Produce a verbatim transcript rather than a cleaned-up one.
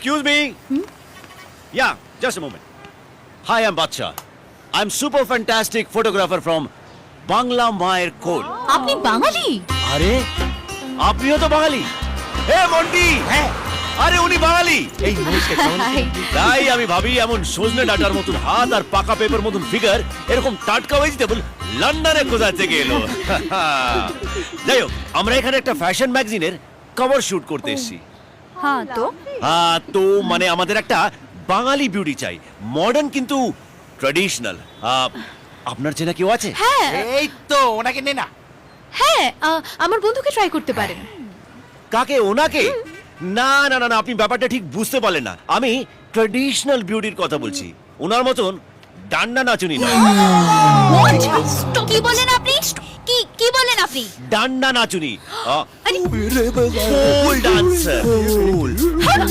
Excuse me. Yeah, just a moment. Hi, I'm Bacha. I'm super fantastic photographer from Bangla Mayer Code. আপনি বাঙালি? আরে আপনিও তো বাঙালি? হে মন্টি, হ্যাঁ আরে উনি বাঙালি। এই নমস্কার কেমন আছেন? তাই আমি ভাবি এমন সজনে ডাটার মতন হাত আর পাকা পেপার মতন ফিগার এরকম টাটকা ভেজিটেবল লন্ডনে কোথা থেকে এলো? যাই হোক, আমরা এখানে একটা ফ্যাশন ম্যাগাজিনের কভার শুট করতে এসেছি। হ্যাঁ তো হ্যাঁ তো মানে আমাদের একটা বাঙালি বিউটি চাই, মডার্ন কিন্তু ট্র্যাডিশনাল। আপনার চেনা কেউ আছে? হ্যাঁ এই তো ওনাকে নে না। হ্যাঁ আহ, আমার বন্ধুকে ট্রাই করতে পারেন। কাকে? ওনাকে? না না না না, আপনি ব্যাপারটা ঠিক বুঝতে পারলেন না। আমি ট্র্যাডিশনাল বিউটির কথা বলছি, ওনার মতন ডান্ডা নাচুনি নয়। কি বলেন আপনি? কি কি বলেন আপনি? ডান্ডা নাচুনি, আরে ফুল ডান্সার।